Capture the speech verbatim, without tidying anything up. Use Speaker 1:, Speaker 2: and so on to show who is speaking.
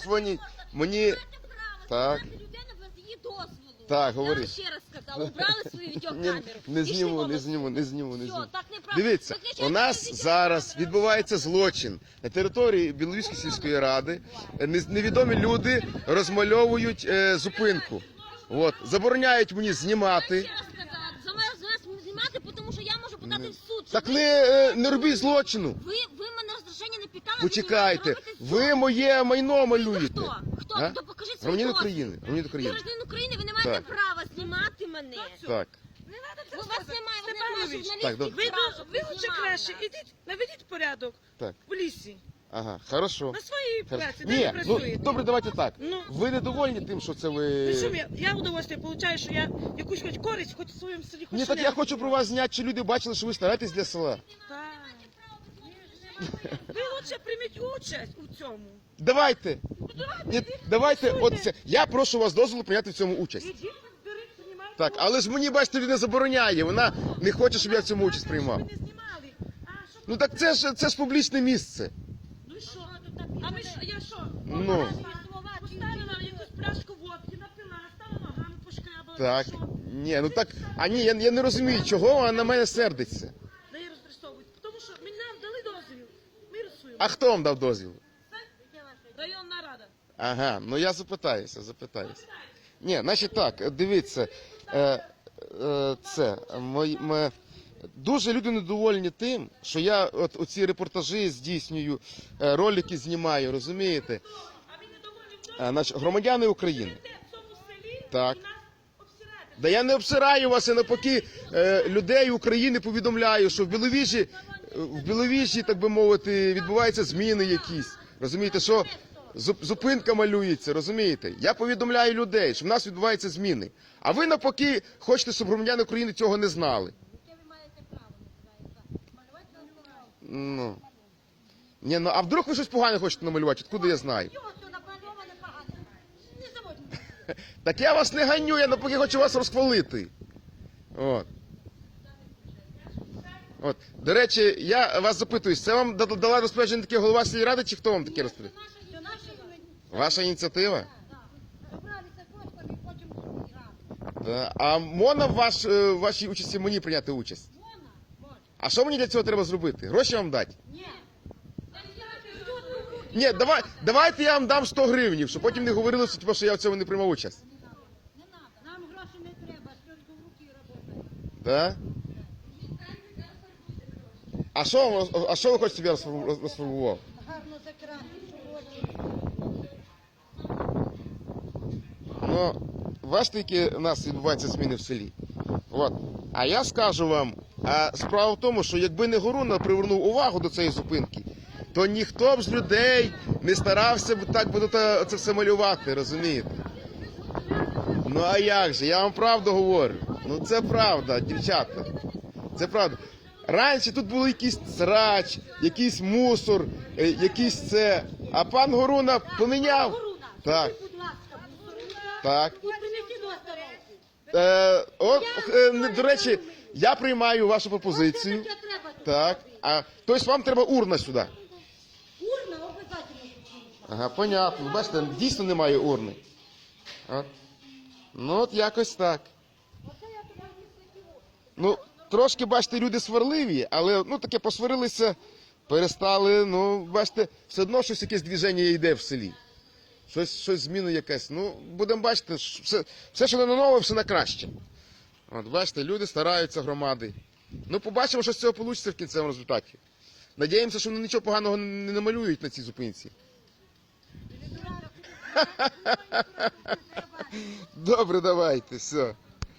Speaker 1: дзвоніть. Мені... Так. Так, говори.
Speaker 2: Я ще раз сказала, убрали свою відеокамеру.
Speaker 1: Не, не зніму, не зніму, не зніму, не
Speaker 2: Все,
Speaker 1: зніму.
Speaker 2: так неправильно.
Speaker 1: Дивіться, у нас зараз відбувається злочин. На території Біловіжської сільської ради не- невідомі люди розмальовують е, зупинку. От, забороняють мені знімати.
Speaker 2: Я ще раз сказала, за мене за мене знімати, тому що я можу подати в суд.
Speaker 1: Так
Speaker 2: що
Speaker 1: не, е, не робіть злочину.
Speaker 2: Ви, ви мене розрішення не питали,
Speaker 1: Почекайте,
Speaker 2: ви робите все.
Speaker 1: ви моє майно малюєте.
Speaker 2: Хто? Хто?
Speaker 1: А?
Speaker 2: То покажіть свій
Speaker 1: Громадянин
Speaker 2: дозвіл.
Speaker 1: України, громадянин України.
Speaker 2: Громадянин України, ви не маєте
Speaker 1: Так.
Speaker 2: права знімати мене.
Speaker 1: Так.
Speaker 2: У вас немає, ви немає
Speaker 3: Степанович,
Speaker 2: журналістів.
Speaker 1: Так, добре.
Speaker 3: Ви,
Speaker 2: права,
Speaker 3: ви
Speaker 2: щоб
Speaker 3: лучше
Speaker 2: знімали
Speaker 3: краще
Speaker 2: нас.
Speaker 3: ідіть, наведіть порядок
Speaker 1: Так.
Speaker 3: в лісі.
Speaker 1: Ага, хорошо.
Speaker 3: На своїй
Speaker 1: Хорошо.
Speaker 3: праці, де ви
Speaker 1: Ні, ну,
Speaker 3: працюєте.
Speaker 1: добре, давайте так.
Speaker 3: Ну.
Speaker 1: Ви недовольні тим, що це ви...
Speaker 3: Ну, що я, я удовольствие получаю, що я якусь хоч користь, хоч в своєму селі, хоч
Speaker 1: Ні, так я
Speaker 3: шлях.
Speaker 1: хочу про вас зняти, що люди бачили, що ви стараєтесь для села.
Speaker 3: Так. Ви лучше прийміть участь у цьому.
Speaker 1: Давайте. Ні, давайте, от це. Я прошу вас дозволу прийняти в цьому участь.
Speaker 3: Ідіть, беріть, приймайте.
Speaker 1: Так, але ж мені, бачите, людина забороняє. Вона не хоче, щоб я в цьому участь приймав.
Speaker 3: Ви не знімали. А, що?
Speaker 1: Ну так це ж це ж публічне місце.
Speaker 3: Ну і що? А ми що, я що?
Speaker 1: Ну.
Speaker 3: Поставила якусь пляшку водки, напила, стала ногами пошкрябала.
Speaker 1: Так.
Speaker 3: Що?
Speaker 1: Ні, ну так. А ні, я, я не розумію, чого вона на мене сердиться.
Speaker 3: Да і розрисовують. Тому що мені нам дали дозвіл. Ми рисуємо.
Speaker 1: А хто вам дав дозвіл?
Speaker 3: Районна рада.
Speaker 1: Ага, ну я запитаюся, запитаюся. Ні, значить так, дивіться, е, е, це, мої, ме, дуже люди недовольні тим, що я от оці репортажі здійснюю, е, ролики знімаю, розумієте?
Speaker 3: А ви не доволі в
Speaker 1: Е, значить, громадяни України.
Speaker 3: в цьому селі
Speaker 1: Так.
Speaker 3: і нас обсираєте.
Speaker 1: Да я не обсираю вас, я навпаки е, людей України повідомляю, що в Біловіжі, в Біловіжі, так би мовити, відбуваються зміни якісь. Розумієте, що зуп- зупинка малюється, розумієте? Я повідомляю людей, що в нас відбуваються зміни. А ви навпаки хочете, щоб громадяни України цього не знали. Ну. Ні, ну а вдруг ви щось погане хочете намалювати? Откуда я знаю? Так я вас не ганю, я навпаки хочу вас розхвалити. От. От. До речі, я вас запитую, це вам да- дала розпорядження таке голова сільради, чи хто вам таке розпорядження? Ваша ініціатива? Да. А можна в ваш, е, в вашій участі мені прийняти участь? А що мені для цього треба зробити? Гроші вам дати? Ні, давай, давайте я вам дам сто гривнів, щоб потім не говорили, що, типу, що я в цьому не приймав участь.
Speaker 4: Нам гроші не треба, тільки в руки працює.
Speaker 1: Да? А що, вам- а що ви хочете, щоб я розфарбу- роз- розфарбував?
Speaker 4: Гарно закрати, що
Speaker 1: Ну, бачите, які у нас відбуваються зміни в селі. От. А я скажу вам, а справа в тому, що якби не Горуна привернув увагу до цієї зупинки, то ніхто б з людей не старався б так би це це все малювати, розумієте? Ну а як же? Я вам правду говорю. Ну це правда, дівчата. Це правда. Раніше тут був якийсь срач, якийсь мусор, е, якийсь це. А пан Горуна поміняв. Так,
Speaker 4: будь ласка,
Speaker 1: так.
Speaker 4: і принеси до остановки.
Speaker 1: Е, от, е, не- до речі, я приймаю вашу пропозицію.
Speaker 4: Це треба тут.
Speaker 1: Так. А тобто вам треба урна сюди.
Speaker 4: Урна обов'язково.
Speaker 1: Ага, понятно. Бачите, дійсно немає урни. От. Ну от якось так. Ну, трошки, бачите, люди сварливі, але ну таке посварилися, перестали, ну, бачите, все одно щось якесь движення йде в селі. Щось, щось зміна якась. Ну, будемо бачити, що все, все, що не на нове, все на краще. От, бачите, люди стараються, громади. Ну, побачимо, що з цього вийде в кінцевому результаті. Надіємося, що вони нічого поганого не намалюють на цій зупинці. Добре, давайте, все.